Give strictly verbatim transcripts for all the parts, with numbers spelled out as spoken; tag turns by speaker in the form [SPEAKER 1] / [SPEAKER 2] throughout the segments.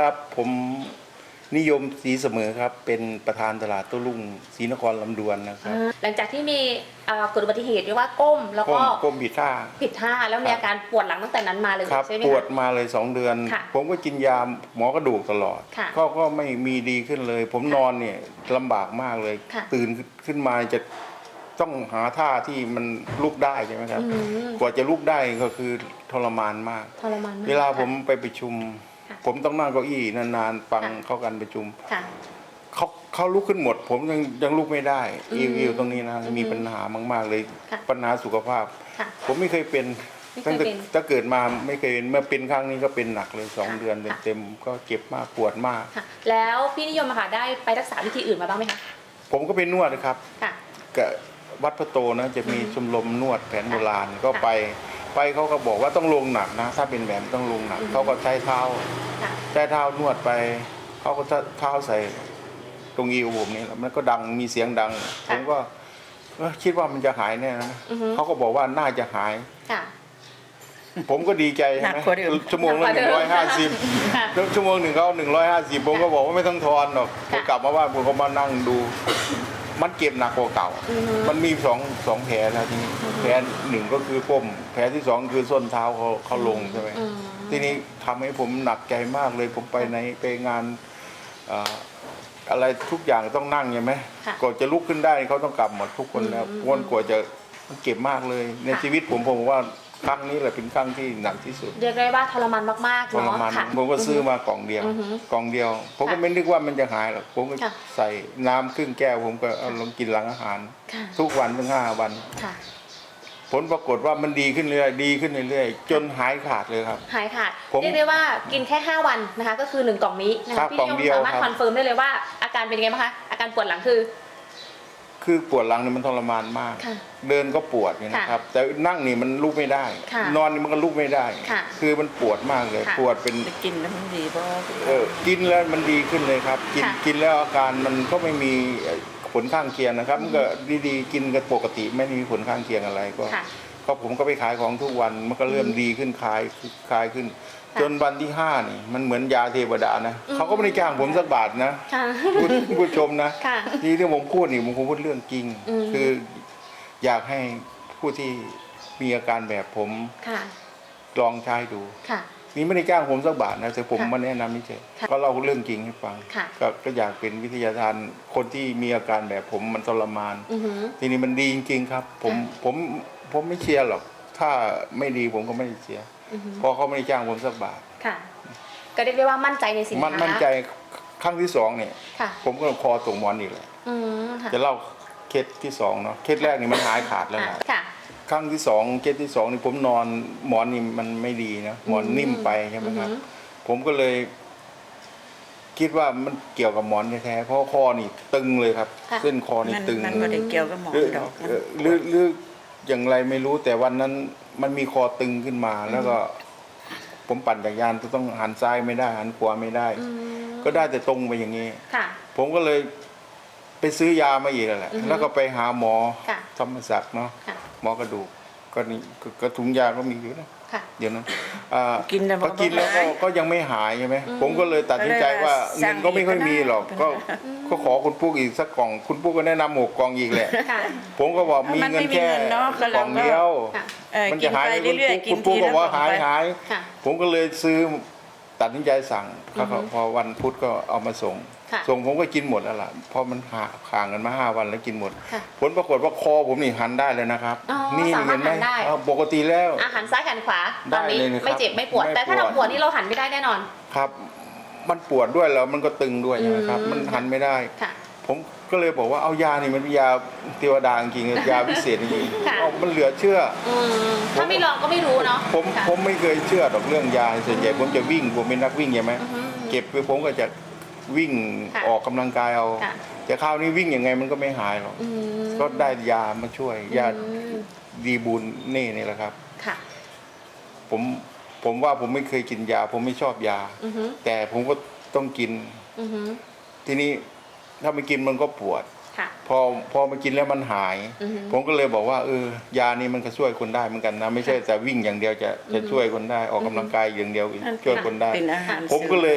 [SPEAKER 1] ครับผมนิยมศรีเสมอครับเป็นประธานตลาดโต้รุ่งศรีนครลำดวนนะครับ
[SPEAKER 2] หลังจากที่มีเกิดอุบัติเหตุเรียกว่าก้มแล้วก็
[SPEAKER 1] ก้มผิดท่า
[SPEAKER 2] ผิดท่าแล้วมีอาการปวดหลังตั้งแต่นั้นมาเลยใช่ไหมคะ
[SPEAKER 1] ปวดมาเลยสองเดือนผมก็กินยาหมอกระดูกตลอดก็ก็ไม่มีดีขึ้นเลยผมนอนเนี่ยลำบากมากเลยตื่นขึ้นมาจะต้องหาท่าที่มันลุกได้ใช่ไหมครับกว่าจะลุกได้ก็คือทรมานมาก
[SPEAKER 2] ทรมาน
[SPEAKER 1] เวลาผมไปประชุมผมต้องนั่งเก้าอี้นานๆฟังเข้ากันประชุมเขาเขาลุกขึ้นหมดผมยังยังลุกไม่ได้อิวตรงนี้นะมีปัญหามากๆเลยปัญหาสุขภาพผมไม่เคยเป็นตั้งแต่ถ้าเกิดมาไม่เคยเป็นเมื่อเป็นครั้งนี้ก็เป็นหนักเลยสองเดือนเต็มๆก็เจ็บมากปวดมาก
[SPEAKER 2] แล้วพี่นิยมค่ะได้ไปรักษาวิธีอื่นมาบ้างไหมคะ
[SPEAKER 1] ผมก็เป็นนวดนะครับกับวัดพระโตนะจะมีชมรมนวดแผนโบราณก็ไปไปเขาก็บอกว่าต้องลงหนักนะถ้าเป็นแบบต้องลงหนักเขาก็ใช้เท้าใช้เท้านวดไปเขาก็เท้าใส่ตรงอิวผมนี่แล้วมันก็ดังมีเสียงดังผมก็คิดว่ามันจะหายแน่นะเขาก็บอกว่าน่าจะหายผมก็ดีใจใช่ไหมชั่วโมงละหนึ่งร้อยห้าสิบชั่วโมงหนึ่งเขาหนึ่งร้อยห้าสิบผมก็บอกว่าไม่ต้องทอนหรอกผมกลับมาบ้านผมก็มานั่งดูมันเก็บหนักกว่าเก่ามันมีสองสองแผลนะทีนี้แผลหนึ่งก็คือก้มแผลที่สองคือส้นเท้าเขาเขาลงใช่ไหมทีนี้ทำให้ผมหนักใจมากเลยผมไปในไปงานอะไรทุกอย่างต้องนั่งใช่ไหมก่อนจะลุกขึ้นได้เขาต้องกลับหมดทุกคนแล้ววนกว่าจะมันเก็บมากเลยในชีวิตผมผมว่าครั้งนี้แหละเป็นครั้งที่หนักที่สุด
[SPEAKER 2] เรียกได้ว่าทรมานมากๆ
[SPEAKER 1] ทรมานผมก็ซื้อมากล่องเดียวกล่องเดียวผมก็ไม่นึกว่ามันจะหายหรอกผมก็ใส่น้ำครึ่งแก้วผมก็เอาลงกินหลังอาหารทุกวันถึงห้าวันผลปรากฏว่ามันดีขึ้นเรื่อยดีขึ้นเรื่อยจนหายขาดเลยครับ
[SPEAKER 2] หายขาดเรียกได้ว่ากินแค่ห้าวันนะคะก็คือหนึ่งกล่องนี้นะคะพี่ยมสามารถคอนเฟิร์มได้เลยว่าอาการเป็นยังไงบ้างคะอาการปวดหลังคือ
[SPEAKER 1] คือปวดหลังนี่มันทรมานมากเดินก็ปวดนะครับแต่นั่งนี่มันลุกไม่ได้นอนนี่มันก็ลุกไม่ได้คือมันปวดมากเลยปวดเป็น
[SPEAKER 3] กินแล้วมันดีเพราะ
[SPEAKER 1] เออกินแล้วมันดีขึ้นเลยครับกินกินแล้วอาการมันก็ไม่มีผลข้างเคียงนะครับมันก็ดีๆกินกันปกติไม่มีผลข้างเคียงอะไรก็ก็ผมก็ไปขายของทุกวันมันก็เริ่มดีขึ้นคลายคลายขึ้นจนวันที่ห้านี่มันเหมือนยาเทวดานะเขาก็ไม่ได้จ้างผมสักบาทนะผู้ชมนะที่ที่ผมพูดนี่ผมคงพูดเรื่องจริงคืออยากให้ผู้ที่มีอาการแบบผมลองใช้ดูนี่ไม่ได้จ้างผมสักบาทนะแต่ผมมาแนะนำนี่เฉยก็เล่าเรื่องจริงให้ฟังก็อยากเป็นวิทยาทานคนที่มีอาการแบบผมมันทรมานทีนี้มันดีจริงๆครับผมผมผมไม่เชียร์หรอกถ้าไม่ดีผมก็ไม่เชียร์เพราะเขาไม่ได้จ้างผมสักบาท
[SPEAKER 2] ค่ะก็เรียกได้ว่ามั่นใจในสินค้า
[SPEAKER 1] มั่นใจครั้งที่สองเนี่ยผมก็คอตกหมอนอีกแหละจะเล่าเคสที่สองเนาะเคสแรกนี่มันหายขาดแล้วนะครั้งที่สองเคสที่สองนี่ผมนอนหมอนนี่มันไม่ดีนะหมอนนิ่มไปใช่ไหมครับผมก็เลยคิดว่ามันเกี่ยวกับหมอนแท้ๆเพราะคอนี่ตึงเลยครับเส้นคอนี่ตึง
[SPEAKER 3] มันไม่ได้เกี่ยวกับหมอนดอก
[SPEAKER 1] หรือหรืออย่างไรไม่รู้แต่วันนั้นมันมีคอตึงขึ้นมาแล้วก็ผมปั่นจักรยานต้องหันซ้ายไม่ได้หันขวาไม่ได้ก็ได้แต่ตรงไปอย่างนี้ผมก็เลยไปซื้อยามาอีกแหละแล้วก็ไปหาหมอธรรมศักดิ์เนาะหมอกระดูกก็นี่ก็ถุงยาก็มีอยู่นะเดี๋ยวนั้น
[SPEAKER 3] กินแล้ว
[SPEAKER 1] พอกินแล้วก็ยังไม่หายใช่ไหมผมก็เลยตัดสินใจว่าเงินก็ไม่ค่อยมีหรอกก็ก็ขอคุณปุ๊กอีกสักกล่องคุณปุ๊กก็แนะนำหกกล่องอีกแหละผมก็บอกมีเงินแค่กล่องเดียวมันจะหายคุณปุ๊กก็ว่าหายหายผมก็เลยซื้อตัดสินใจสั่งพอวันพุธก็เอามาส่งส่งผมก็กินหมดแล้วล่ะเพราะมันห่างกันมาห้าวันแล้วกินหมดผลปรากฏว่าคอผมนี่หันได้เลยนะครับ
[SPEAKER 2] นี่เห็นไหม
[SPEAKER 1] ปกติแล้ว
[SPEAKER 2] อาหันซ้ายหันขวาตอนนี้ไม่เจ็บไม่ปวดแต่ถ้าเราปวดนี่เราหันไม่ได้แน่นอน
[SPEAKER 1] ครับมันปวดด้วยแล้วมันก็ตึงด้วยนะครับมันหันไม่ได้ผมก็เลยบอกว่าเอายานี่มันเป็นยาเทวดาจริงๆยาพิเศษจริงๆมันเหลือเชื่อ
[SPEAKER 2] ถ้าไม่ลองก็ไม่รู้เนาะ
[SPEAKER 1] ผมผมไม่เคยเชื่อดอกเรื่องยาส่วนใหญ่ผมจะวิ่งผมเป็นนักวิ่งใช่ไหมเก็บไปผมก็จะวิ่งออกกำลังกายเอาแต่คราวนี้วิ่งยังไงมันก็ไม่หายหรอกก็ได้ยามาช่วยยาดีบูลเน่นี่แหละครับผมผมว่าผมไม่เคยกินยาผมไม่ชอบยาแต่ผมก็ต้องกินทีนี้ถ้าไม่กินมันก็ปวดพอพอมากินแล้วมันหายผมก็เลยบอกว่าเออยานี้มันก็ช่วยคนได้เหมือนกันนะไม่ใช่แต่วิ่งอย่างเดียวจะจะช่วยคนได้ออกกำลังกายอย่างเดียวช่วยคนได้ผมก็เลย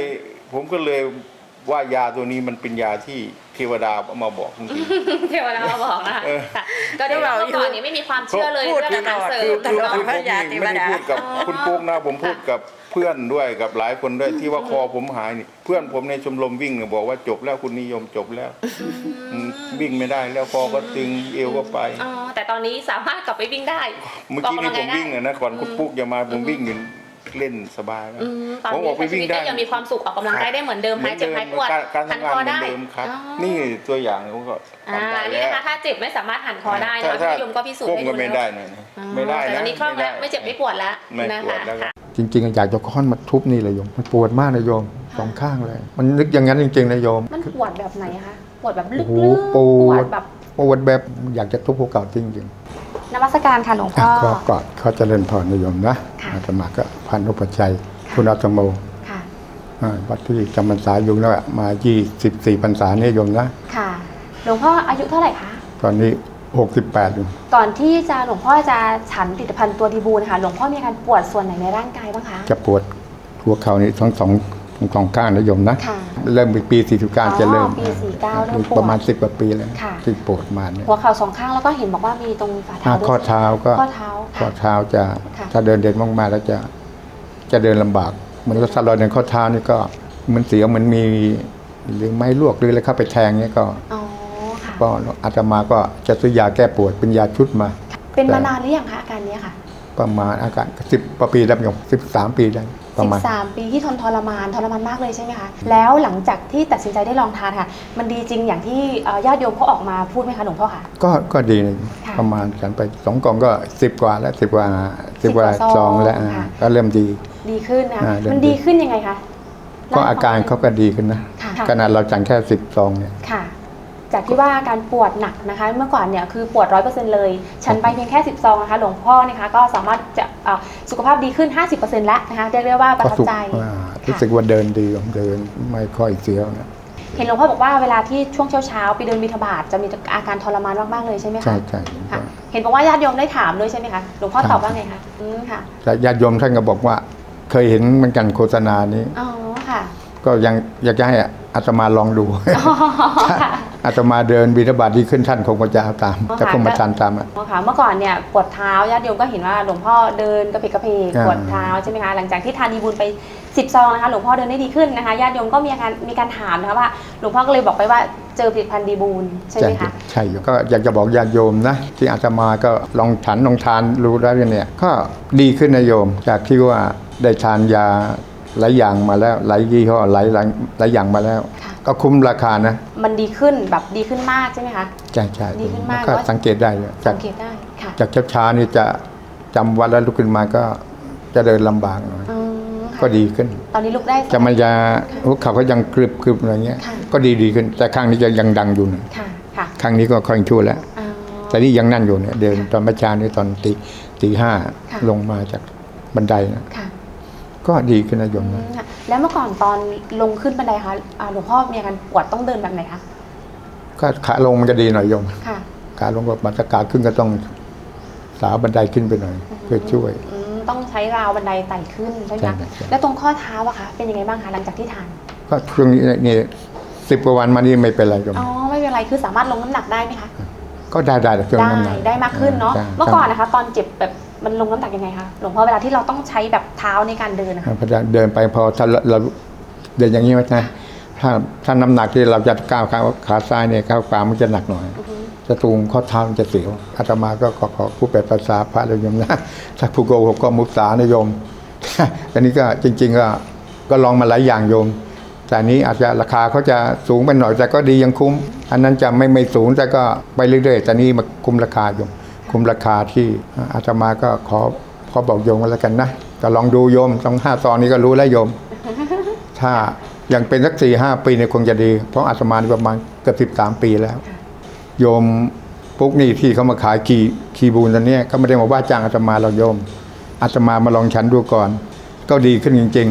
[SPEAKER 1] ผมก็เลยว่ายาตัวนี้มันเป็นยาที่เทวดาเอามาบอกจริง
[SPEAKER 2] เทวดามาบอกนะคะ
[SPEAKER 1] เออ
[SPEAKER 2] ค่ะก็เดี๋ยวเราก่อนนี้ไม่มีความเชื่อเลย
[SPEAKER 3] พูด
[SPEAKER 2] เรื่องอาหารเสริ
[SPEAKER 1] คือ
[SPEAKER 2] ม
[SPEAKER 1] คือ
[SPEAKER 3] ตลอด
[SPEAKER 1] คือผม
[SPEAKER 3] พระยา
[SPEAKER 1] นี่
[SPEAKER 3] เทวดา
[SPEAKER 1] ไม่ได้พูดกับคุณปุ๊กนะผมพูดกับเพื่อนด้วยกับหลายคนด้วยที่ว่าคอผมหายนี่เพื่อนผมในชมรมวิ่งเนี่ยบอกว่าจบแล้วคุณนิยมจบแล้วอืมวิ่งไม่ได้แล้วคอก็ตึงเอวก็ไป
[SPEAKER 2] อ๋อแต่ตอนนี้สามารถกลับไปวิ่งได้
[SPEAKER 1] เมื่อกี้นี่ผมวิ่งอะนะก่อนคุณปุ๊กจะมาผมวิ่งอยู่เล่นสบายแล้ว
[SPEAKER 2] อืมตอน
[SPEAKER 1] ผม
[SPEAKER 2] นี้
[SPEAKER 1] ออกไป
[SPEAKER 2] ใช้ชี
[SPEAKER 1] วิ่ง
[SPEAKER 2] วิต
[SPEAKER 1] ได้
[SPEAKER 2] ก็ยังมีความสุขออกกำลังกายได้เหมือนเดิมหายเจ็บหายปวด
[SPEAKER 1] การการ
[SPEAKER 2] หัน
[SPEAKER 1] ทำ
[SPEAKER 2] ค
[SPEAKER 1] งา
[SPEAKER 2] อน
[SPEAKER 1] เหมือ
[SPEAKER 2] ได้
[SPEAKER 1] นเดิมครับ
[SPEAKER 2] อ๋อ
[SPEAKER 1] นี่ตัวอย่างผมก็
[SPEAKER 2] อ่า
[SPEAKER 1] ทำได้
[SPEAKER 2] นี่
[SPEAKER 1] แล้ว
[SPEAKER 2] นะคะถ้าเจ็บไม่สามารถหันคอได้
[SPEAKER 1] ถ้า
[SPEAKER 2] นะ
[SPEAKER 1] ถ้า
[SPEAKER 2] พี่ยมก็พิสูจน์
[SPEAKER 1] ก้ม
[SPEAKER 2] ให้
[SPEAKER 1] ก็
[SPEAKER 2] ดู
[SPEAKER 1] ไม่
[SPEAKER 2] แล้ว
[SPEAKER 1] ได้นะ
[SPEAKER 2] อ๋อ
[SPEAKER 1] ไม่ได้
[SPEAKER 2] แต่ต
[SPEAKER 1] นะ
[SPEAKER 2] อนนี้คล่องแล้วไม่เจ็บไม่ปวดแล้ว
[SPEAKER 1] ไม่
[SPEAKER 2] นะ
[SPEAKER 1] ปวด
[SPEAKER 2] คะ
[SPEAKER 1] แล้ว
[SPEAKER 2] ค่ะ
[SPEAKER 4] จริงๆอยากจะค้อนมาทุบนี่เลยโยมมันปวดมากเลยโยมสองข้างเลย มันนึกอย่างนั้นจริงๆนะโยม
[SPEAKER 2] มันปวดแบบไหนคะปวดแบบลึ
[SPEAKER 4] โอ้
[SPEAKER 2] ก
[SPEAKER 4] โห
[SPEAKER 2] ๆ
[SPEAKER 4] ปวด
[SPEAKER 2] แบบ
[SPEAKER 4] ปวดแบบอยากจะทุบหัวเก่าจริง
[SPEAKER 2] นมัสการค่ะหลวง
[SPEAKER 4] ๆ
[SPEAKER 2] พ่
[SPEAKER 4] อ่ะ
[SPEAKER 2] อ
[SPEAKER 4] ก็กอดเขาเจะเล่นพรนะโยมนะ
[SPEAKER 2] ค่ะ
[SPEAKER 4] อาตมาก็พันอุปชัยคุณอาตโม
[SPEAKER 2] ค่ะ
[SPEAKER 4] อ่าวัดที่จำพรรษาอยู่แล้วอะมายี่สิบสี่พรรษาเนี่ยโยมนะ
[SPEAKER 2] ค่ะหลวงพ่ออายุเท่าไหร่คะ
[SPEAKER 4] ตอนนี้หกสิบแปดอยู่
[SPEAKER 2] ก่อนที่จะหลวงพ่อจะฉันผลิตภัณฑ์ตัวดีบูนะคะหลวงพ่อมีอาการปวดส่วนไหนในร่างกายบ้างคะ
[SPEAKER 4] จะปวดหัวเข่านี่ทั้งสองทั้งสองข้างนะโยมนะ
[SPEAKER 2] ค่ะ
[SPEAKER 4] เริ่มปีสี่สิบเก้า
[SPEAKER 2] อ๋อ
[SPEAKER 4] จะเริ่ม
[SPEAKER 2] ปีสี่สิบเก้าเริ่มปวด
[SPEAKER 4] ประมาณสิบกว่าปีแล้ว
[SPEAKER 2] ค่ะ
[SPEAKER 4] ที่ปวดมาเนี่ย
[SPEAKER 2] หัวเข่าสองข้างแล้วก็เห็นบอกว่ามีตรงฝ่า
[SPEAKER 4] อ่า
[SPEAKER 2] เท้าด้วย
[SPEAKER 4] ข้อเท้าก็
[SPEAKER 2] ข้อเท้า
[SPEAKER 4] ข้อ
[SPEAKER 2] ค่ะ
[SPEAKER 4] เท้าจะ
[SPEAKER 2] ค่ะ
[SPEAKER 4] ถ้าเดินเด่นมากๆแล้วจะจะเดินลำบากเหมือนรถสลอยในข้อเท้านี่ก็เหมันเสียวเหมันมีหรือไม้ลวกหรืออะไรเข้าไปแทงเนี่ยก็
[SPEAKER 2] อ๋อค่ะ
[SPEAKER 4] ก็อาตมาก็จะซื้อยาแก้ปวดเป็นยาชุดมา
[SPEAKER 2] เป็นมานานหรือยังคะอาการเนี้ยค่ะ
[SPEAKER 4] ประมาณอาการสิบปีแล้วโยมสิบสามปีได้ประ
[SPEAKER 2] สิ
[SPEAKER 4] มาณ
[SPEAKER 2] บสามปีที่ทนทรมานทรมานมากเลยใช่ไหมคะแล้วหลังจากที่ตัดสินใจได้ลองทานค่ะ มันดีจริงอย่างที่เอ่อญาติโยมเขาออกมาพูดไหมคะหลวงพ่อคะ
[SPEAKER 4] ก็ก็ดีนะ
[SPEAKER 2] ค่ะ
[SPEAKER 4] ประมาณฉันไปสองกล่องก็สิบกว่าแล้วสิบกว่าสิบกว่า
[SPEAKER 2] สิบกว่าซ
[SPEAKER 4] ซ
[SPEAKER 2] อ
[SPEAKER 4] อง งแล้วอ่า
[SPEAKER 2] ค่ะ
[SPEAKER 4] ก็เริ่มดี
[SPEAKER 2] ดีขึ้นนะ
[SPEAKER 4] อ่าเริ่ม
[SPEAKER 2] มันดีขึ้นยังไงคะ
[SPEAKER 4] ก็อาการเขาก็ดีขึ้นนะ
[SPEAKER 2] ค่ะ
[SPEAKER 4] ขนาดเราจังแค่สิบซองเนี่ย
[SPEAKER 2] ค่ะ จากที่ว่าอาการปวดหนักนะคะ เมื่อก่อนเนี่ยคือปวดร้อยเปอร์เซ็นต์เลย ฉันไปเพียงแค่สิบซองนะคะหลวงพ่อนะคะก็สามารถจะเอ่อสุขภาพดีขึ้น ห้าสิบเปอร์เซ็นต์แล้วนะคะเรียกได้ว่าประ
[SPEAKER 4] ก็
[SPEAKER 2] ทับ
[SPEAKER 4] สุข
[SPEAKER 2] ใจ
[SPEAKER 4] อ่ารู้สึกว่าเดินดีเดินไม่ค่อยเสียวนะ
[SPEAKER 2] เห็นหลวงพ่อบอกว่าเวลาที่ช่วงเช้าๆไปเดินบิณฑบาตจะมีอาการทรมานมากๆเลยใช่ไหมคะ
[SPEAKER 4] ใช่ใช่
[SPEAKER 2] ค่ะเห็นบอกว่าญาติโยมได้ถามด้วยใช่ไหมคะหลวงพ่อตอบว่าไงคะอืมค่ะ
[SPEAKER 4] แต่ญาติโยมท่านก็บอกว่า เคยเห็นเหมือนกันโฆษณานี้
[SPEAKER 2] อ๋อค่ะ
[SPEAKER 4] ก็ยังอยากจะให้อาตมาลองดู
[SPEAKER 2] อ๋อค่ะ
[SPEAKER 4] อาตมาเดินบิณฑบาตดีขึ้นท่านคงจะเอาตาม
[SPEAKER 2] อ๋อ
[SPEAKER 4] จะคงมา
[SPEAKER 2] ค่ะ
[SPEAKER 4] ทานตามอ่ะ
[SPEAKER 2] อ๋อค่ะเมื่อก่อนเนี่ยปวดเท้าญาติโยมก็เห็นว่าหลวงพ่อเดินกระเพกกระเพก
[SPEAKER 4] อ่า
[SPEAKER 2] ปวดเท้าใช่ไหมคะหลังจากที่ทานดีบุญไปสิบซองนะคะหลวงพ่อเดินได้ดีขึ้นนะคะญาติโยมก็มีอาการมีการถามนะคะว่าหลวงพ่อก็เลยบอกไปว่าเจอผลิตภัณฑ์ดีบุญใช่ไหมคะ
[SPEAKER 4] ใช่อยู่ก็อยากจะบอกญาติโยมนะ ที่อาตมาก็ลองฉันลองทานรู้แล้วเนี่ยก็ดีขึ้นนะโยม จากที่ว่าได้ทานยาหลายอย่างมาแล้วหลายยี่ห้อหลายหลายหลายอย่างมาแล้ว
[SPEAKER 2] ค่ะ
[SPEAKER 4] ก็คุ้มราคานะ
[SPEAKER 2] มันดีขึ้นแบบดีขึ้นมากใช่ไหมคะ
[SPEAKER 4] ใช่ใช่
[SPEAKER 2] ดีขึ้นมาก
[SPEAKER 4] ก็
[SPEAKER 2] ว่า
[SPEAKER 4] สังเกตได้เลยจา
[SPEAKER 2] สั
[SPEAKER 4] ก
[SPEAKER 2] งเกตได้ค่ะ
[SPEAKER 4] จากเช้าๆนี่จะจำวัดแล้วลุกขึ้นมาก็จะเดินลำบากหน่อย
[SPEAKER 2] อืมค่ะ
[SPEAKER 4] ก็ดีขึ้น
[SPEAKER 2] ตอนนี้ลุกได้
[SPEAKER 4] จะมันจะหัวเข่าก็ยังกรึบกรึบอะไรเงี้ย
[SPEAKER 2] ค่ะ
[SPEAKER 4] ก็ดีดีขึ้น แต่ข้างนี้จะยังดังอยู่นะ
[SPEAKER 2] ค่ะค่ะ
[SPEAKER 4] ข้างนี้ก็ค่อยชั่วแล้ว
[SPEAKER 2] อ๋อ
[SPEAKER 4] แต่นี่ยังนั่นอยู่เนี่ยเดินตอนเมื่อเช้านี่ตอนตีตีห้า
[SPEAKER 2] ค่ะ
[SPEAKER 4] ลงมาจากบันไดนะ
[SPEAKER 2] ค่ะ
[SPEAKER 4] ก็ดีขึ้นนะโยม
[SPEAKER 2] อื
[SPEAKER 4] นะ
[SPEAKER 2] มค่ะแล้วเมื่อก่อนตอนลงขึ้นบันไดคะอ่าหลวงพ่อมีอาการปวดต้องเดินแบบไหนคะ
[SPEAKER 4] ก็ขาลงมันจะดีหน่อยโยม
[SPEAKER 2] ค่ะ
[SPEAKER 4] ขาลงก็มาตะขาขึ้นก็ต้องสาวบันไดขึ้นไปหน่อย เพื่อช่วย
[SPEAKER 2] อืมต้องใช้ราวบันไดไต่ขึ้นใช่ไหม
[SPEAKER 4] ใช่
[SPEAKER 2] คะ
[SPEAKER 4] ใช่
[SPEAKER 2] แล้วตรงข้อเท้าอะคะเป็นยังไงบ้างคะหลังจากที่ทาน
[SPEAKER 4] ก็ช่วงนี้นี่สิบกว่าวันมานี่ไม่เป็นไรโยม
[SPEAKER 2] อ๋อไม่เป็นไรคือสามารถลงน้ำหนักได้ไหมคะ
[SPEAKER 4] ก็ได้ได้แต่ช่วง
[SPEAKER 2] ได้
[SPEAKER 4] นั้นนะ
[SPEAKER 2] ได้มากขึ้นเนาะ
[SPEAKER 4] ใช่
[SPEAKER 2] เมื่อก่อนนะคะ ตอนเจ็บแบบมันลงน้ำหนักยังไงคะหลวงพ่อเวลาที่เราต้องใช้แบบเท้าในการเดินนะคะ
[SPEAKER 4] พอเดินไปพอถ้าเราเราเดินอย่างนี้ไหมนะถ้าถ้าน้ำหนักที่เราจะก้าวขาขาซ้ายเนี่ยก้าวขวามันจะหนักหน่อย
[SPEAKER 2] อือฮึ
[SPEAKER 4] จะตูงข้อเท้ามันจะเสียวอาตมาก็ขอขอผู้แปลภาษาพระเลยโยมนะถ้าผู้โกหกก็มุสานะโยม อันนี้ก็จริง ๆ ก็ก็ลองมาหลายอย่างโยม แต่อันนี้อาจจะราคาเขาจะสูงไปหน่อยแต่ก็ดียังคุ้ม อันนั้นจะไม่ไม่สูงแต่ก็ไปเรื่อยๆแต่นี่มาคุ้มราคาโยม คุ้มราคาที่อาตมาก็ขอขอบอกโยมกันแล้วกันนะก็ลองดูโยมต้องห้าซองนี้ก็รู้แล้วโยม ถ้ายังเป็นสักสี่ห้าปีเนี่ยคงจะดี เพราะอาตมานี่ประมาณเกือบสิบสามปีแล้ว โยมปุ๊กนี่ที่เขามาขายคีคีบูนตอนนี้ก็ไม่ได้มาว่าจ้างอาตมาเราโยมอาตมามาลองฉันดูก่อน ก็ดีขึ้นจริง ๆ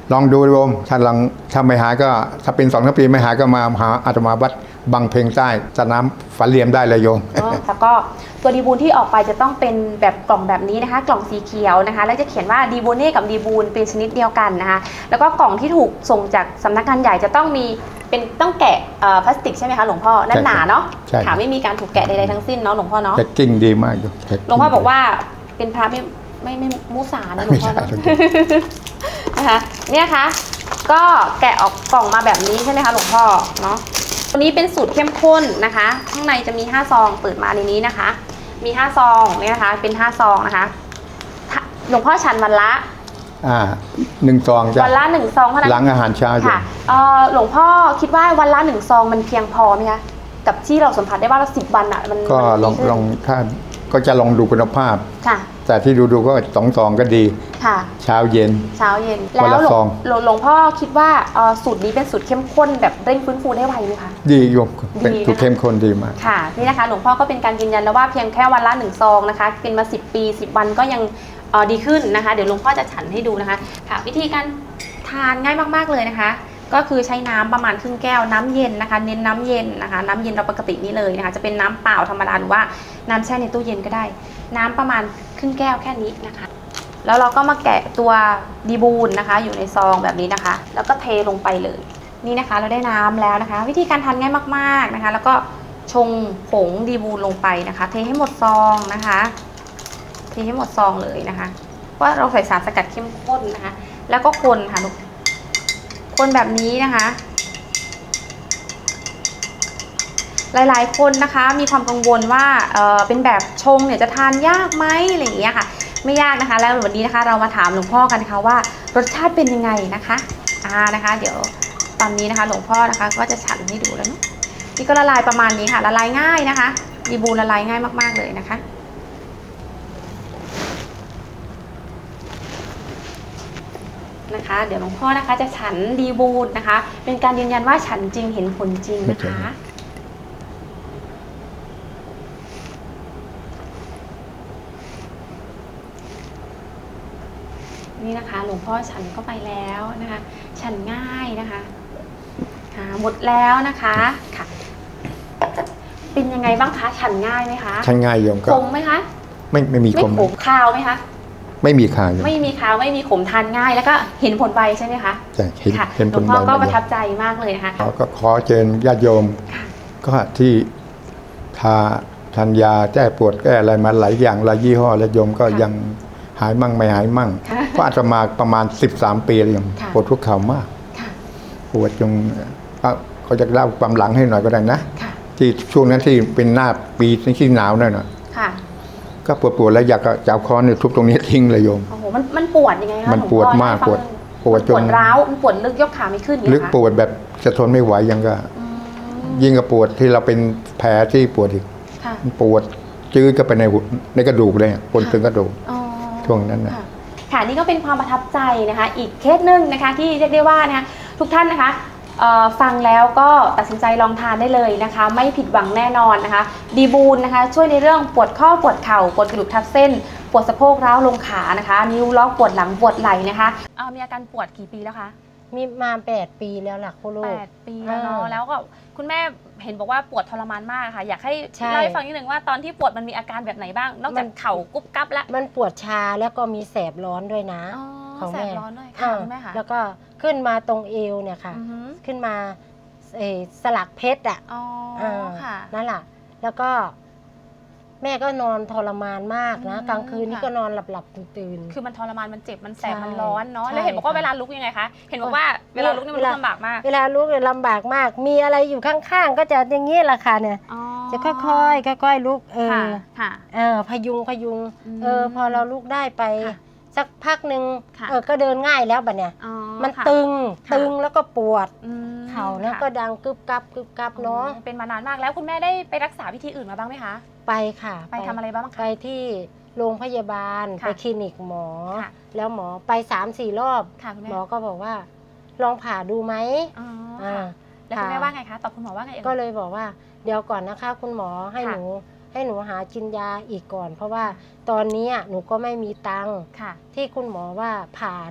[SPEAKER 4] ลองดูโยมถ้าลองถ้าไม่หายก็ถ้าเป็นสองสามปีไม่หายก็มาหาอาตมาวัดบางเพ็งใต้สนามฝันเหลี่ยมได้เลยโยม
[SPEAKER 2] แล้วก็ตัวดีบูนที่ออกไปจะต้องเป็นแบบกล่องแบบนี้นะคะ กล่องสีเขียวนะคะแล้วจะเขียนว่าดีบูเน่กับดีบูนเป็นชนิดเดียวกันนะคะแล้วก็กล่องที่ถูกส่งจากสำนักงานใหญ่จะต้องมีเป็นต้องแกะพลาสติกใช่ไหมคะหลวงพ่อแน่นหนาเนาะค่ะไม่มีการถูกแกะใดๆทั้งสิ้นเนาะหลวงพ่อเนาะ
[SPEAKER 4] แพ็กกิ้งดีมากโยม
[SPEAKER 2] หลวงพ่อบอกว่าเป็นพระไม่ไม่ไม่มุสานะหลวงพ่อนะคะเนี่ยค่ะก็แกะออกกล่องมาแบบนี้ใช่ไหมคะหลวงพ่อเนาะตัวนี้เป็นสูตรเข้มข้นนะคะข้างในจะมีห้าซองเปิดมาในนี้นะคะมีห้าซองเนี่ยนะคะเป็นห้าซองนะคะหลวงพ่อฉันวันละ
[SPEAKER 4] อ่าหนึ่งซองจ้ะ
[SPEAKER 2] วันละหนึ่งซองเท่านั้น
[SPEAKER 4] หลังอาหารเช้า
[SPEAKER 2] ค่ะเอ่อหลวงพ่อคิดว่าวันละหนึ่งซองมันเพียงพอไหมคะกับที่เราสัมผัสได้ว่าเราสิบวันอ่ะมัน
[SPEAKER 4] ก็ลองลองถ้าก็จะลองดูคุณภาพ
[SPEAKER 2] ค่ะ
[SPEAKER 4] แต่ที่ดูดูก็สองซองก็ดี
[SPEAKER 2] ค่ะ
[SPEAKER 4] เช้าเย็น
[SPEAKER 2] เช้าเย็นแล้วหลวงหลวงพ่อคิดว่าสูตรนี้เป็นสูตรเข้มข้นแบบเร่งฟื้นฟูได้ไวไหมคะ
[SPEAKER 4] ดีโยมเป็นสูตรเข้มข้นดีมาก
[SPEAKER 2] ค่ะนี่นะคะหลวงพ่อก็เป็นการยืนยันแล้วว่าเพียงแค่วันละหนึ่งซองนะคะเป็นมาสิบปีสิบวันก็ยังดีขึ้นนะคะเดี๋ยวหลวงพ่อจะฉันให้ดูนะคะค่ะวิธีการทานง่ายมากๆเลยนะคะก็คือใช้น้ำประมาณครึ่งแก้วน้ำเย็นนะคะเน้นน้ำเย็นนะคะน้ำเย็นเราปกตินี่เลยนะคะจะเป็นน้ำเปล่าธรรมดาหรือว่าน้ำแช่ในตู้เย็นก็ได้น้ำประมาณครึ่งแก้วแค่นี้นะคะแล้วเราก็มาแกะตัวดีบูนนะคะอยู่ในซองแบบนี้นะคะแล้วก็เทลงไปเลยนี่นะคะเราได้น้ำแล้วนะคะวิธีการทานง่ายมากๆนะคะแล้วก็ชงผงดีบูนลงไปนะคะเทให้หมดซองนะคะเทให้หมดซองเลยนะคะว่าเราใส่สารสกัดเข้มข้นนะคะแล้วก็คนค่ะลูกคนแบบนี้นะคะหลายๆคนนะคะมีความกังวลว่าเออเป็นแบบชงเนี่ยจะทานยากไหมอะไรอย่างเงี้ยค่ะไม่ยากนะคะแล้ววันนี้นะคะเรามาถามหลวงพ่อกันนะคะว่ารสชาติเป็นยังไงนะคะอ่านะคะเดี๋ยวตอนนี้นะคะหลวงพ่อนะคะก็จะฉันให้ดูแล้วเนาะนี่ก็ละลายประมาณนี้ค่ะละลายง่ายนะคะดีบูละลายง่ายมากๆเลยนะคะนะคะเดี๋ยวหลวงพ่อนะคะจะฉันดีบูนนะคะเป็นการยืนยันว่าฉันจริงเห็นผลจริงนะคะนี่นะคะหลวงพ่อฉันก็ไปแล้วนะคะฉันง่ายนะคะค่ะหมดแล้วนะคะค่ะเป็นยังไงบ้างคะฉันง่ายไหมคะ
[SPEAKER 4] ฉันง่ายโยมก็
[SPEAKER 2] ขมไหมคะ
[SPEAKER 4] ไม่ไม่มีขม
[SPEAKER 2] ไม่ขมคาวไหมคะ
[SPEAKER 4] ไม่มีคาว
[SPEAKER 2] ไม่มีคาวไม่มีขมทานง่ายแล้วก็เห็นผลไวใช่ไหมคะ
[SPEAKER 4] ใช่เห็นผลไว
[SPEAKER 2] หลวงพ่อก็ประทับใจมากเลยนะคะ
[SPEAKER 4] ก็ขอเชิญญาติโยมก็ที่ทาทานยาแก้ปวดแก้อะไรมาหลายอย่างหลายยี่ห้อแล้วโยมก็ยังหายมั่งไม่หายมั่งก็อาจจะมาประมาณสิบสามปีเลยโยมปวดทุกเข่ามากปวดจงเขาจะเล่าความหลังให้หน่อยก็ได้นะที่ช่วงนั้นที่เป็นหน้าปีที่หนาวนั่นน่ะก็ปวดปวดแล้วอยากจะเอาค้อนเนี่ยทุบตรงนี้ทิ้งเลยโยม
[SPEAKER 2] โอ้โหมันมันปวดยังไงคะ
[SPEAKER 4] มันปวดมากปวดปวดจน
[SPEAKER 2] ปวดร้าวมันปวดลึกยกขาไม่ขึ้น
[SPEAKER 4] ลึกปวดแบบจะทนไม่ไหวยังก็ยิ่งกับปวดที่เราเป็นแผลที่ปวดอีกมันปวดจืดก็ไปในในกระดูกเลยปวดถึงกระดูกช่วงนั้นนะ
[SPEAKER 2] ค่ะนี่ก็เป็นความประทับใจนะคะอีกเคสหนึ่งนะคะที่เรียกได้ว่านะคะทุกท่านนะคะฟังแล้วก็ตัดสินใจลองทานได้เลยนะคะไม่ผิดหวังแน่นอนนะคะดีบูนนะคะช่วยในเรื่องปวดข้อปวดเข่าปวดกระดูกทับเส้นปวดสะโพกร้าวลงขานะคะนิ้วล็อกปวดหลังปวดไหล่นะคะเอามีอาการปวดกี่ปีแล้วคะ
[SPEAKER 5] มีมาแปดปีแล้วล่ะคุณลูก
[SPEAKER 2] แปดปีแล้วเนาะแล้วก็คุณแม่เห็นบอกว่าปวดทรมานมากค่ะอยากให้เล่าให้ฟังนิดนึงว่าตอนที่ปวดมันมีอาการแบบไหนบ้างนอกจากเข่ากุ๊บกั๊บแล้ว
[SPEAKER 5] มันปวดชาแล้วก็มีแสบร้อนด้วยนะ
[SPEAKER 2] ของแม่แสบร้อนด้วยค่ะคุณแม่ค่ะ
[SPEAKER 5] แล้วก็ขึ้นมาตรงเอวเนี่ยค่ะขึ้นมาสลักเพชรอ่ะนั่นแหละแล้วก็แม่ก็นอนทรมานมากนะกลางคืนนี่ก็นอนหลับหลับตื่น
[SPEAKER 2] คือมันทรมานมันเจ็บมันแสบมันร้อนเนาะแล้วเห็นบอกว่าเวลาลุกยังไงคะเห็นบอกว่าเวลาลุกนี่มันลำบากมาก
[SPEAKER 5] เวลาลุกเนี่ยลำบากมากมีอะไรอยู่ข้างๆก็จะอย่างนี้แหละค่ะเนี่ยจะค่อยๆค่อยๆลุกเออเออพยุงพยุงเออพอเราลุกได้ไปสักพักหนึ่งเออก็เดินง่ายแล้วบัดเนี่ยมันตึงตึงแล้วก็ปวดเข่าแล้วก็ดังกึบกับกึบกับเนาะ
[SPEAKER 2] เป็นมานานมากแล้วคุณแม่ได้ไปรักษาวิธีอื่นมาบ้างไหมคะ
[SPEAKER 5] ไปค่ะ
[SPEAKER 2] ไปทำอะไรบ้างคะ
[SPEAKER 5] ไปที่โรงพยาบาลไปคลินิกหมอแล้วหมอไปสามสี่รอบหมอก็บอกว่าลองผ่าดูไหม
[SPEAKER 2] แล้วคุณแม่ว่าไงคะตอบคุณหมอว่าไง
[SPEAKER 5] ก็เลยบอกว่าเดี๋ยวก่อนนะคะคุณหมอให้หนูให้หนูหากินยาอีกก่อนเพราะว่าตอนนี้หนูก็ไม่มีตังค์ที่คุณหมอว่าผ่าน่ะ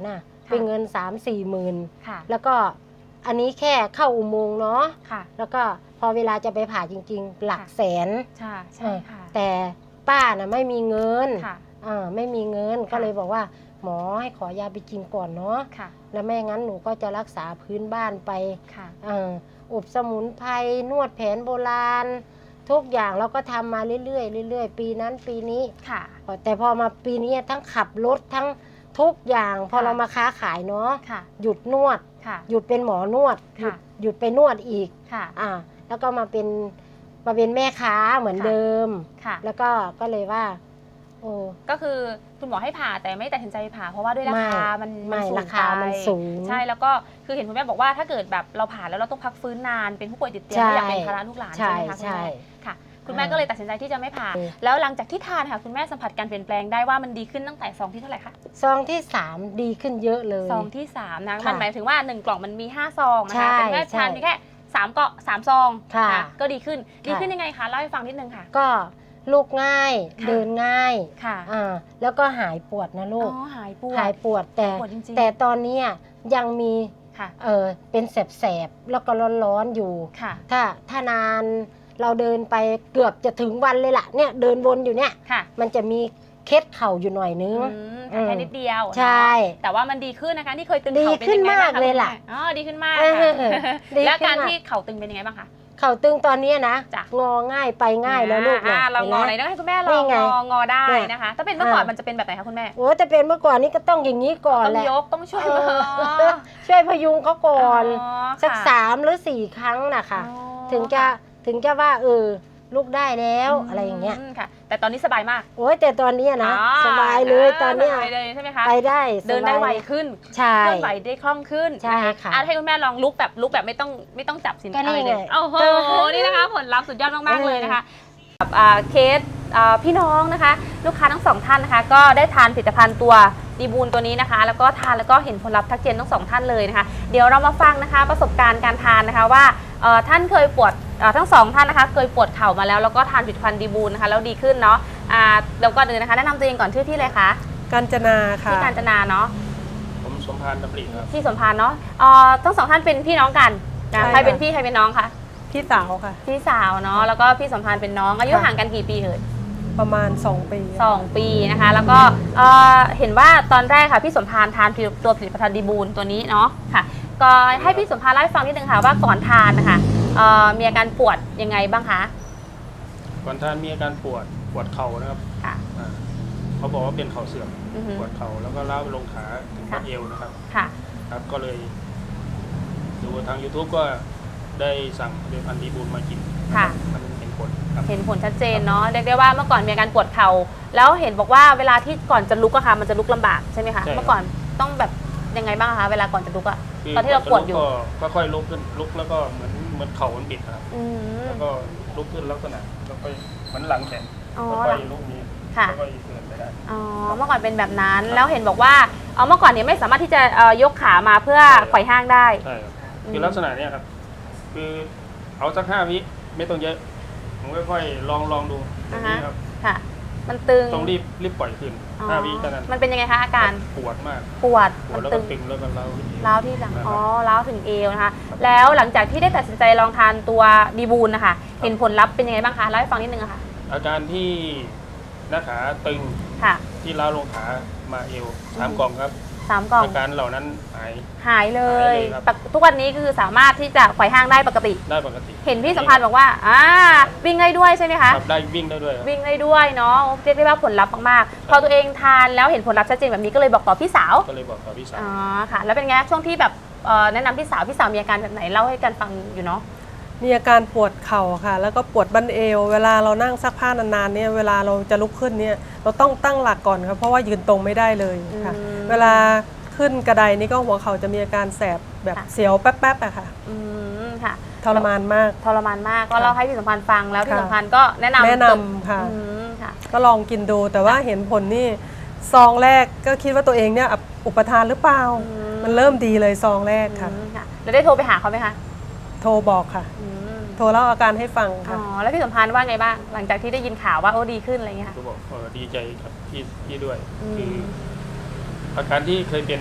[SPEAKER 5] เป็นเงินสามสี่หมื่น
[SPEAKER 2] ค่ะ
[SPEAKER 5] แล้วก็อันนี้แค่เข้าอุโมงค์เนาะ
[SPEAKER 2] ค่ะ
[SPEAKER 5] แล้วก็พอเวลาจะไปผ่าจริงๆ หลักแสน
[SPEAKER 2] ใช่ใช่ค่ะ
[SPEAKER 5] แต่ป้าน่ะไม่มีเงิน
[SPEAKER 2] ค่ะ
[SPEAKER 5] เออไม่มีเงิน
[SPEAKER 2] ค่ะ
[SPEAKER 5] ก็เลยบอกว่าหมอให้ขอยาไปกินก่อนเนาะ
[SPEAKER 2] ค่ะ
[SPEAKER 5] แล้วไม่งั้นหนูก็จะรักษาพื้นบ้านไป
[SPEAKER 2] ค่ะ
[SPEAKER 5] เอออบสมุนไพรนวดแผนโบราณ ทุกอย่างเราก็ทำมาเรื่อยๆเรื่อยๆปีนั้นปีนี้
[SPEAKER 2] ค่ะ
[SPEAKER 5] แต่พอมาปีนี้ทั้งขับรถทั้งทุกอย่างพอ
[SPEAKER 2] ค่ะ
[SPEAKER 5] เรามาค้าขายเนาะ
[SPEAKER 2] ค่ะ
[SPEAKER 5] หยุดนวด
[SPEAKER 2] ค่ะ
[SPEAKER 5] หยุดเป็นหมอนวดหยุด
[SPEAKER 2] ค่ะ
[SPEAKER 5] หยุดไปนวดอีก
[SPEAKER 2] ค่ะ
[SPEAKER 5] อ่าแล้วก็มาเป็นมาเป็นแม่ค้าเหมือน
[SPEAKER 2] ค่ะ
[SPEAKER 5] เดิม
[SPEAKER 2] ค่ะ
[SPEAKER 5] แล้วก็ก็เลยว่าโอ้
[SPEAKER 2] ก็คือคุณหมอให้ผ่าแต่ไม่ตัดสินใจผ่าเพราะว่าด้วยราคา มัน
[SPEAKER 5] ไม่
[SPEAKER 2] นสูง
[SPEAKER 5] ราคามัน
[SPEAKER 2] ไป
[SPEAKER 5] สูง
[SPEAKER 2] ใช่แล้วก็คือเห็นคุณแม่บอกว่าถ้าเกิดแบบเราผ่าแล้วเราต้องพักฟื้นนานเป็นผู้ป่วยติดเตียง
[SPEAKER 5] ใช่
[SPEAKER 2] ไม่อยากเป็นภาระลูกหลานใช่ไหมคะ
[SPEAKER 5] ใช่
[SPEAKER 2] คุณแม่ค่ะ คุณแม่
[SPEAKER 5] อ่า
[SPEAKER 2] ก็เลยตัดสินใจที่จะไม่ผ่า
[SPEAKER 5] เออ
[SPEAKER 2] แล้วหลังจากที่ทานค่ะคุณแม่สัมผัสการเปลี่ยนแปลงได้ว่ามันดีขึ้นตั้งแต่ซองที่เท่าไหร่คะ
[SPEAKER 5] ซองที่สามดีขึ้นเยอะเลย
[SPEAKER 2] ซองที่สามนะ
[SPEAKER 5] ค่ะ
[SPEAKER 2] มันหมายถึงว่าหนึ่งกล่องมันมีห้าซองนะ
[SPEAKER 5] ใช่
[SPEAKER 2] คะแต่คุณแม่ทาน
[SPEAKER 5] ใช่
[SPEAKER 2] เพียงแค่สามเกาะสามซอง
[SPEAKER 5] ค่ะ
[SPEAKER 2] นก็ดีขึ้นดี
[SPEAKER 5] ค่ะ
[SPEAKER 2] ขึ้นยังไงคะเล่าให้ฟังนิดนึงค่ะ
[SPEAKER 5] ก็ลูกง่าย
[SPEAKER 2] ค่ะ
[SPEAKER 5] เดินง่าย
[SPEAKER 2] ค่ะ
[SPEAKER 5] อ่าแล้วก็หายปวดนะลู
[SPEAKER 2] อ๋
[SPEAKER 5] ก
[SPEAKER 2] อหายปวด
[SPEAKER 5] หายปวดแต่
[SPEAKER 2] ปวดจริงๆ
[SPEAKER 5] แต่ตอนเนี้ยยังมี
[SPEAKER 2] ค่ะ
[SPEAKER 5] เออเป็นแสบๆแล้วก็ร้อนๆอยู่
[SPEAKER 2] ค่ะ
[SPEAKER 5] ถ้าถ้านานเราเดินไปเกือบจะถึงวันเลยล่ะเนี่ยเดินวนอยู่เนี่ย
[SPEAKER 2] ค่ะ
[SPEAKER 5] มันจะมีเคล็ดเข่าอยู่หน่อยนึง
[SPEAKER 2] อืม
[SPEAKER 5] อืม
[SPEAKER 2] แค่นิดเดียว
[SPEAKER 5] ใช่
[SPEAKER 2] เนาะแต่ว่ามันดีขึ้นนะคะที่เคยตึง
[SPEAKER 5] ดี
[SPEAKER 2] เข่าเป็น
[SPEAKER 5] ขึ้น
[SPEAKER 2] ยังไงบ้าง
[SPEAKER 5] มาก
[SPEAKER 2] คะ
[SPEAKER 5] เลยล่ะ
[SPEAKER 2] คุณแม่อ๋อดีขึ้นมาก
[SPEAKER 5] เอ
[SPEAKER 2] ค่ะ
[SPEAKER 5] อดี
[SPEAKER 2] แล้ว
[SPEAKER 5] ขึ้น
[SPEAKER 2] การ
[SPEAKER 5] มาก
[SPEAKER 2] ที่เข่าตึงเป็นยังไงบ้างคะ
[SPEAKER 5] เข่าตึงตอนเนี้ยนะ
[SPEAKER 2] จ้ะ
[SPEAKER 5] งอง่ายไปง่ายแล้วลูก
[SPEAKER 2] อ่า
[SPEAKER 5] นะ
[SPEAKER 2] เรางอไหน
[SPEAKER 5] ห็น
[SPEAKER 2] ต้องให้คุณแม่ล
[SPEAKER 5] นี่
[SPEAKER 2] อง
[SPEAKER 5] ไง
[SPEAKER 2] งองอได้
[SPEAKER 5] เนี่ย
[SPEAKER 2] นะคะ ถ้าเป็นเมื่อก่อน
[SPEAKER 5] อ่ามั
[SPEAKER 2] มันจะเป็นแบบไหนคะคุณแม่
[SPEAKER 5] โอ้แต่เป็นเมื่อก่อนนี้ก็ต้องอย่างนี้ก่อน
[SPEAKER 2] ต้อง
[SPEAKER 5] แหละ
[SPEAKER 2] ยกต้องช่วย
[SPEAKER 5] เอ
[SPEAKER 2] มือ
[SPEAKER 5] อช่วยพยุงเขาก่อน
[SPEAKER 2] อ๋อ
[SPEAKER 5] สัก
[SPEAKER 2] ค่ะ
[SPEAKER 5] สามหรือสี่ครั้งนะคะ
[SPEAKER 2] อ๋อ
[SPEAKER 5] ถึงจะถึงจะว่าเออลูกได้แล้ว
[SPEAKER 2] ม
[SPEAKER 5] อะไรอย่างเงี้ย
[SPEAKER 2] ค่ะ แต่ตอนนี้สบายมาก
[SPEAKER 5] โอ้ยแต่ตอนเนี้ยนะ
[SPEAKER 2] อ๋อ
[SPEAKER 5] สบายเลยตอนเนี้ย
[SPEAKER 2] สบายเลยใช่ไหมคะ
[SPEAKER 5] ไปได้สบาย
[SPEAKER 2] เดินได้ไวขึ้น
[SPEAKER 5] ใช่
[SPEAKER 2] เคลื่อนไหวได้คล่องขึ้น
[SPEAKER 5] ใช่ค่ะ
[SPEAKER 2] อ่ให้คุณแม่ลองลุกแบบลุกแบบไม่ต้องไม่ต้องจับสิน
[SPEAKER 5] ก็นี่
[SPEAKER 2] อะไรเลย
[SPEAKER 5] ไง
[SPEAKER 2] โอ้โห
[SPEAKER 5] เออ
[SPEAKER 2] นี่นะคะผลลัพธ์สุดยอดมากๆ
[SPEAKER 5] เออ
[SPEAKER 2] เลยนะคะกับอ่าเคสอ่าพี่น้องนะคะ ลูกค้าทั้งสองท่านนะคะ ก็ได้ทานผลิตภัณฑ์ตัวดีบูลตัวนี้นะคะ แล้วก็ทานแล้วก็เห็นผลลัพธ์ทักเจนทั้งสองท่านเลยนะคะ เดี๋ยวเรามาฟังนะคะประสบการณ์การทานนะคะว่าเอ่อท่านเคยปวดเอ่อทั้งสองท่านนะคะเคยปวดเข่ามาแล้วแล้วก็ทานผลิตภัณฑ์ดีบูลนะคะแล้วดีขึ้นเนาะอ่าเดี๋ยวก่อนอื่นนะคะแนะนำตัวเองก่อนชื่อที่เลยคะ
[SPEAKER 6] กาญจนาค่ะ
[SPEAKER 2] ที่การจนาเนาะ
[SPEAKER 7] ผมสมพานดำริครับ
[SPEAKER 2] ที่สมพานเนาะเอ่อทั้งสองท่านเป็นพี่น้องกันนะ
[SPEAKER 6] ใช่
[SPEAKER 2] ใครเป็น
[SPEAKER 6] ค่ะ
[SPEAKER 2] พี่ใครเป็นน้องคะ
[SPEAKER 6] พี่สาวค่ะ
[SPEAKER 2] พี่สาวเนาะแล้วก็พี่สมพานเป็นน้องอายุ
[SPEAKER 6] ค่ะ
[SPEAKER 2] ห่างกันกี่ปีเอ่ย
[SPEAKER 6] ประมาณสองปี
[SPEAKER 2] สองปีนะคะ แล้วก็เอ่อเห็นว่าตอนแรกค่ะพี่สมพานทานตัวผลิตภัณฑ์ดีบูลตัวนี้เนาะค่ะ ก็ให้พี่สมพานเล่าให้ฟังนิดนึงค่ะว่าก่อนทานนะคะเอ่อมีอาการปวดยังไงบ้างคะ
[SPEAKER 7] ก่อนท่านมีอาการปวดปวดเข่านะครับ
[SPEAKER 2] ค่ะ
[SPEAKER 7] อ่าเขาบอกว่าเป็นเข่าเสื่อม
[SPEAKER 2] อือฮึ
[SPEAKER 7] ปวดเข่าแล้วก็ล้าวไปลงขาถึง
[SPEAKER 2] ค่ะ
[SPEAKER 7] บัดเอวนะครับ
[SPEAKER 2] ค่ะ
[SPEAKER 7] ครับก็เลยดูทาง YouTube ก็ได้สั่งผลิตภัณฑ์ดีบูลมากิน
[SPEAKER 2] ค่ะ
[SPEAKER 7] มันเห็นผลครับ
[SPEAKER 2] เห็นผลชัดเจนเนาะเรียกได้ว่าเมื่อก่อนมีอาการปวดเข่าแล้วเห็นบอกว่าเวลาที่ก่อนจะลุกอะค่ะมันจะลุกลำบากใช่ไหมคะ
[SPEAKER 7] ใช่ครับ
[SPEAKER 2] เมื่อก่อนต้องแบบยังไงบ้างคะเวลาก่อนจะลุกอะ
[SPEAKER 7] คื
[SPEAKER 2] ตอนที่เราปวดอยู่
[SPEAKER 7] ก็ก็ค่อยลุกขึ้นลุกแล้วก็เหมือนเหมือนเข่ามันบิดนะครับ
[SPEAKER 2] อืม
[SPEAKER 7] แล้วก็ลุกขึ้นลักษณะแล้วก็เหมือนหลังแข็ง
[SPEAKER 2] อ๋อ
[SPEAKER 7] แล้วก็ลุกนี้
[SPEAKER 2] ค่ะ
[SPEAKER 7] แล้วก็เดินไปได้
[SPEAKER 2] อ๋อเมื่อก่อนเป็นแบบนั้นแล้วเห็นบอกว่าเอ่อเมื่อก่อนเนี่ยไม่สามารถที่จะเอ่อยกขามาเพื่อ
[SPEAKER 7] ใช่ครับ
[SPEAKER 2] ไขว่ห้างได้
[SPEAKER 7] ใช่ครับ
[SPEAKER 2] อืม
[SPEAKER 7] คือลักษณะเนี้ยครับ คือเอาสักห้าวิไม่ต้องเยอะผมค่อยๆลองลองดูอย่างนี้ครับ
[SPEAKER 2] ค่ะ มันตึง
[SPEAKER 7] ต้องรีบรีบปล่อยคืน
[SPEAKER 2] อ๋อ
[SPEAKER 7] ห้าวิเท่านั้น
[SPEAKER 2] มันเป็นยังไงคะอาการ
[SPEAKER 7] ปวดมาก
[SPEAKER 2] ปวด
[SPEAKER 7] ปว
[SPEAKER 2] มั
[SPEAKER 7] ด
[SPEAKER 2] น
[SPEAKER 7] แล้ว
[SPEAKER 2] ตึ
[SPEAKER 7] ก็
[SPEAKER 2] ง
[SPEAKER 7] ตึงแล้วก็เล้าที่
[SPEAKER 2] ร้าวที่หลัง
[SPEAKER 7] นะครับ
[SPEAKER 2] อ๋อร้าวถึงเอวนะคะแล้วหลังจากที่ได้ตัดสินใจลองทานตัวดีบูลนะคะเห็นผลลัพธ์เป็นยังไงบ้างคะเล่าให้ฟังนิดนึงอะค่ะ
[SPEAKER 7] อาการที่หน้าขาตึง
[SPEAKER 2] ค่ะ
[SPEAKER 7] ที่เล้าลงขามาเอวสามกล่องครับ
[SPEAKER 2] สามกล่อง
[SPEAKER 7] อาการเหล่านั้นหาย
[SPEAKER 2] หายเลย
[SPEAKER 7] หายเลยครับ
[SPEAKER 2] ปกทุกวันนี้คือสามารถที่จะไขว่ห้างได้ปกติ
[SPEAKER 7] ได้ปกติ
[SPEAKER 2] เห็นพี่สัมพันธ์บอกว่าอ่าวิ่งได้ด้วยใช่ไหมคะ
[SPEAKER 7] ครับได้วิ่งได้ด้วยครับ
[SPEAKER 2] วิ่งได้ด้วยเนาะเรียกได้ว่าผลลัพธ์มากๆ พอตัวเองทานแล้วเห็นผลลัพธ์ชัดเจนแบบนี้ก็เลยบอกต่อพี่สาว
[SPEAKER 7] ก็เลยบอกกับพี่สาว
[SPEAKER 2] อ๋อค่ะ แล้วเป็นไงช่วงที่แบบเอ่อแนะนำพี่สาวพี่สาวมีอาการแบบไหนเล่าให้กันฟังอยู่เนาะ
[SPEAKER 6] มีอาการปวดเข่าค่ะ แล้วก็ปวดบั้นเอว เวลาเรานั่งซักผ้านานๆเนี่ยเวลาเราจะลุกขึ้นเนี่ยเราต้องตั้งหลักก่อนครับเพราะว่ายืนตรงไม่ได้เลยค่ะ
[SPEAKER 2] อืม
[SPEAKER 6] เวลาขึ้นกระไดนี่ก็หัวเข่าจะมีอาการแสบแบบ
[SPEAKER 2] ค่ะ
[SPEAKER 6] เสียวแป๊บๆอะค่ะ
[SPEAKER 2] อืมค่ะ
[SPEAKER 6] ทรมานมาก
[SPEAKER 2] ทรมานมากก็เล่าให้พี่สัมพันธ์ฟังแล้วพี่
[SPEAKER 6] ค่ะ
[SPEAKER 2] สัมพันธ์ก็แนะนำ
[SPEAKER 6] แนะนำค่ะ
[SPEAKER 2] อืมค่ะ
[SPEAKER 6] ก็ลองกินดูแต่ว่าเห็นผลนี่ซองแรกก็คิดว่าตัวเองเนี่ยอุปทานหรือเปล่า
[SPEAKER 2] อืม
[SPEAKER 6] มันเริ่มดีเลยซองแรกค่ะ
[SPEAKER 2] อืมค่ะแล้วได้โทรไปหาเขาไหมคะ
[SPEAKER 6] โทรบอกค่ะ
[SPEAKER 2] อืม
[SPEAKER 6] โทรเล่าอาการให้ฟัง
[SPEAKER 2] อ๋
[SPEAKER 6] ค่ะ
[SPEAKER 2] อแล้วพี่สัมพันธ์ว่าไงบ้างหลังจากที่ได้ยินข่าวว่าโอ้ดีขึ้นอะไรเงี้ยค่ะ
[SPEAKER 7] ก็บอกเออดีใจกับพี่พี่ด้วย
[SPEAKER 2] อืม
[SPEAKER 7] คืออาการที่เคยเป็นอ่ะมัน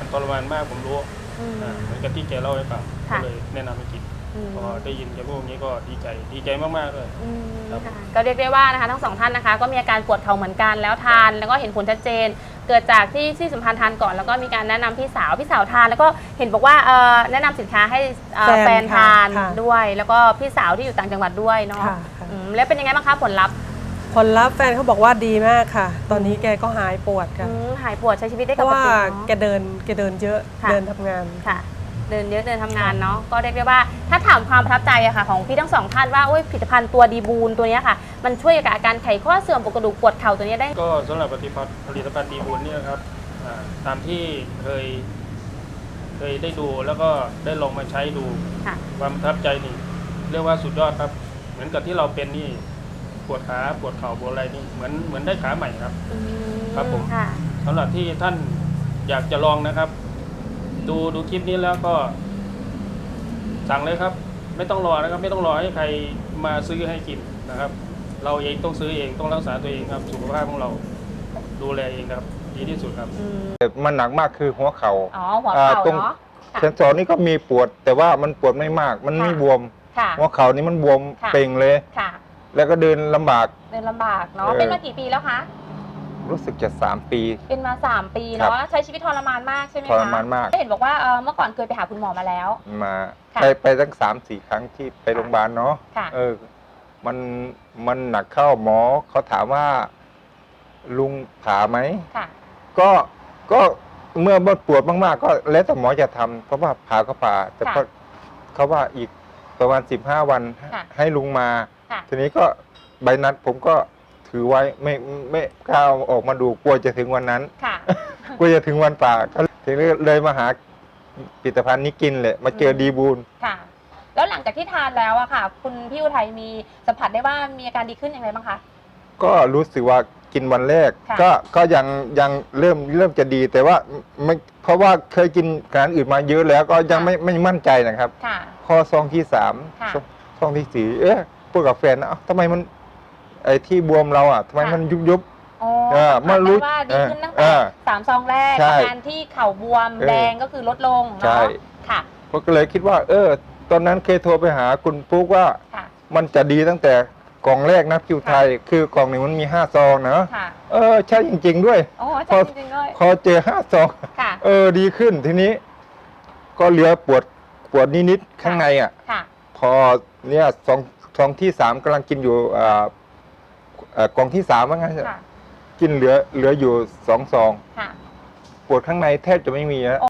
[SPEAKER 7] ทรมานมากผมรู้
[SPEAKER 2] อืม
[SPEAKER 7] อ่าเหมือนกับที่แกเล่าให้ฟังก็
[SPEAKER 2] ค่ะ
[SPEAKER 7] เลยแนะนำให้กิน
[SPEAKER 2] อืม
[SPEAKER 7] พอได้ยินแกพูดอย่างนี้ก็ดีใจดีใจมากๆเลย
[SPEAKER 2] อืม
[SPEAKER 7] ครับ
[SPEAKER 2] ค่ะก็เรียกได้ว่านะคะทั้งสองท่านนะคะก็มีอาการปวดเข่าเหมือนกันแล้วทานแล้วก็เห็นผลชัดเจน เกิดจากที่ที่สัมพันธ์ทานก่อนแล้วก็มีการแนะนำพี่สาวพี่สาวทาน แล้วก็เห็นบอกว่าเอ่อแนะนำสินค้าให้เอ่อ
[SPEAKER 6] แฟน
[SPEAKER 2] แฟนทาน
[SPEAKER 6] ค่ะ
[SPEAKER 2] ด้วย แล้วก็พี่สาวที่อยู่ต่างจังหวัดด้วยเนาะ
[SPEAKER 6] ค่ะค่ะ
[SPEAKER 2] อืมแล้วเป็นยังไงบ้างคะผลลัพธ์
[SPEAKER 6] ผลลัพธ์แฟนเขาบอกว่าดีมากค่ะ ตอนนี้แกก็หายปวดค่ะ
[SPEAKER 2] อืมหายปวดใช้ชีวิตได้
[SPEAKER 6] เพ
[SPEAKER 2] ป
[SPEAKER 6] ราะ
[SPEAKER 2] ก
[SPEAKER 6] ว่า
[SPEAKER 2] ติ
[SPEAKER 6] แก
[SPEAKER 2] เนาะ
[SPEAKER 6] เดินแกเดินเยอะ
[SPEAKER 2] ค่ะ
[SPEAKER 6] เดินทำงาน
[SPEAKER 2] ค่ะ เดินเยอะเดินทำงานเนาะก็เรียกได้ว่าถ้าถามความประทับใจอะค่ะของพี่ทั้งสองท่านว่าโอ้ยผลิตภัณฑ์ตัวดีบูนตัวเนี้ยค่ะ มันช่วยกับอาการไขข้อเสื่อมปวดกระดูกปวดเข่าตัวเนี้ยได้
[SPEAKER 7] ก็สำหรับผลิตภัณฑ์ผลิตภัณฑ์ดีบุญเนี่ยนะครับอ่าตามที่เคย เคยได้ดูแล้วก็ได้ลองมาใช้ดู
[SPEAKER 2] ค่ะ
[SPEAKER 7] ความประทับใจนี่เรียกว่าสุดยอดครับ เหมือนกับที่เราเป็นนี่ปวดขาปวดเข่าปวดอะไรนี่เหมือนเหมือนได้ขาใหม่ครับ
[SPEAKER 2] อื
[SPEAKER 7] ครับผม
[SPEAKER 2] ค่ะ
[SPEAKER 7] สำหรับที่ท่านอยากจะลองนะครับ ดูดูคลิปนี้แล้วก็สั่งเลยครับ ไม่ต้องรอนะครับ ไม่ต้องรอให้ใครมาซื้อให้กินนะครับ เราเองต้องซื้อเองต้องรักษาตัวเองครับสุขภาพของเราดูแลเองครับดีที่สุดครับ
[SPEAKER 2] อืม
[SPEAKER 4] มันหนักมากคือหัวเขา
[SPEAKER 2] อ๋อหัว
[SPEAKER 4] อ่า
[SPEAKER 2] เข่า
[SPEAKER 4] ตรง
[SPEAKER 2] เนาะค่ะ
[SPEAKER 4] เซนสอนนี่ก็มีปวด แต่ว่ามันปวดไม่มาก มันไม่
[SPEAKER 2] ค่ะ
[SPEAKER 4] บวม
[SPEAKER 2] ค่ะ
[SPEAKER 4] หัวเข่านี่มันบวม
[SPEAKER 2] ค่ะ
[SPEAKER 4] เป่งเลย
[SPEAKER 2] ค่ะ
[SPEAKER 4] แล้วก็เดินลำบาก
[SPEAKER 2] เดินลำบากเนาะ
[SPEAKER 4] เออ
[SPEAKER 2] เป็นมากี่ปีแล้วคะ
[SPEAKER 4] รู้สึกจะสามปี
[SPEAKER 2] เป็นมาสามปี
[SPEAKER 4] ครับ
[SPEAKER 2] เนาะใช้ชีวิตทรมานมากใช่ไหมคะ
[SPEAKER 4] ทรมานมาก
[SPEAKER 2] เห็นบอกว่าเอ่อเมื่อก่อนเคยไปหาคุณหมอมาแล้ว
[SPEAKER 4] มา
[SPEAKER 2] ค่ะ
[SPEAKER 4] ไปไปตั้งสามสี่ครั้งที่ไปโรงพยาบาลเนาะ
[SPEAKER 2] ค่ะ
[SPEAKER 4] เออ มันมันหนักเข้าหมอเขาถามว่า ลุงผ่าไหม
[SPEAKER 2] ค่ะ
[SPEAKER 4] ก็ก็เมื่อปวดมากๆ ก็แล้วแต่หมอจะทำเพราะว่าผ่าก็ผ่า แต่
[SPEAKER 2] ค่ะ
[SPEAKER 4] ก็เขาว่าอีกประมาณสิบห้าวัน
[SPEAKER 2] ค่ะ
[SPEAKER 4] ให้ลุงมา
[SPEAKER 2] ค่ะ
[SPEAKER 4] ทีนี้ก็ใบนัดผมก็ถือไว้ไม่ไม่กล้าเอาออกมาดูกลัวจะถึงวันนั้น
[SPEAKER 2] ค่ะ
[SPEAKER 4] กลัวจะถึงวันป่าก็ทีนี้เลยมาหาผลิตภัณฑ์นี้กินเลยมาเจอ
[SPEAKER 2] อืม
[SPEAKER 4] ดีบูล
[SPEAKER 2] ค่ะ แล้วหลังจากที่ทานแล้วอะค่ะ คุณพี่อุทัยมีสัมผัสได้ว่ามีอาการดีขึ้นอย่างไรบ้างคะ
[SPEAKER 4] ก็รู้สึกว่ากินวันแรก
[SPEAKER 2] ค่ะ
[SPEAKER 4] ก็ก็ยังยังเริ่มเริ่มจะดีแต่ว่าไม่เพราะว่าเคยกินอาหารอื่นมาเยอะแล้วก็ยังไม่ไม่มั่นใจนะครับ
[SPEAKER 2] ค่ะ
[SPEAKER 4] พอซองที่สาม
[SPEAKER 2] ค่ะ
[SPEAKER 4] ซองซองที่สี่เอ๊ะพูดกับแฟนนะเอ้าทำไมมันไอ้ที่บวมเราอ่ะทำไม
[SPEAKER 2] ค่ะ
[SPEAKER 4] มันยุบยุบ
[SPEAKER 2] อ๋อ
[SPEAKER 4] เออ
[SPEAKER 2] สัมผัส
[SPEAKER 4] มารู้
[SPEAKER 2] ได้ว่าดีขึ้นตั้ง
[SPEAKER 4] เอ
[SPEAKER 2] แต่
[SPEAKER 4] อ
[SPEAKER 2] สามซองแรก
[SPEAKER 4] ใช่
[SPEAKER 2] อาการที่เข่าบวม
[SPEAKER 4] เออ
[SPEAKER 2] แดงก็คือลดลง
[SPEAKER 4] ใช่
[SPEAKER 2] เนาะค่ะ
[SPEAKER 4] ผมก็เลยคิดว่า เออ ตอนนั้นเคยโทรไปหาคุณปุ๊กว่า
[SPEAKER 2] ค่ะ
[SPEAKER 4] มันจะดีตั้งแต่กล่องแรกนะคิวไทย คือกล่องหนึ่งมันมีห้าซองนะ
[SPEAKER 2] ค่ะ
[SPEAKER 4] เออใช่จริง ๆ ด้วย
[SPEAKER 2] โอ้
[SPEAKER 4] พอ
[SPEAKER 2] ใช่จริงๆเลย
[SPEAKER 4] พอเจอห้าซอง
[SPEAKER 2] ค่ะ
[SPEAKER 4] เออดีขึ้นทีนี้ ก็เหลือปวดปวดนิดๆข้างในอ่ะ
[SPEAKER 2] ค่ะ
[SPEAKER 4] พอเนี่ยซองซองที่สามกำลังกินอยู่อ่าเอ่อกล่องที่สามว่างั้น
[SPEAKER 2] ค่ะ
[SPEAKER 4] กินเหลือเหลืออยู่สองซอง
[SPEAKER 2] ค่ะ
[SPEAKER 4] ปวดข้างในแทบจะไม่มีแล้ว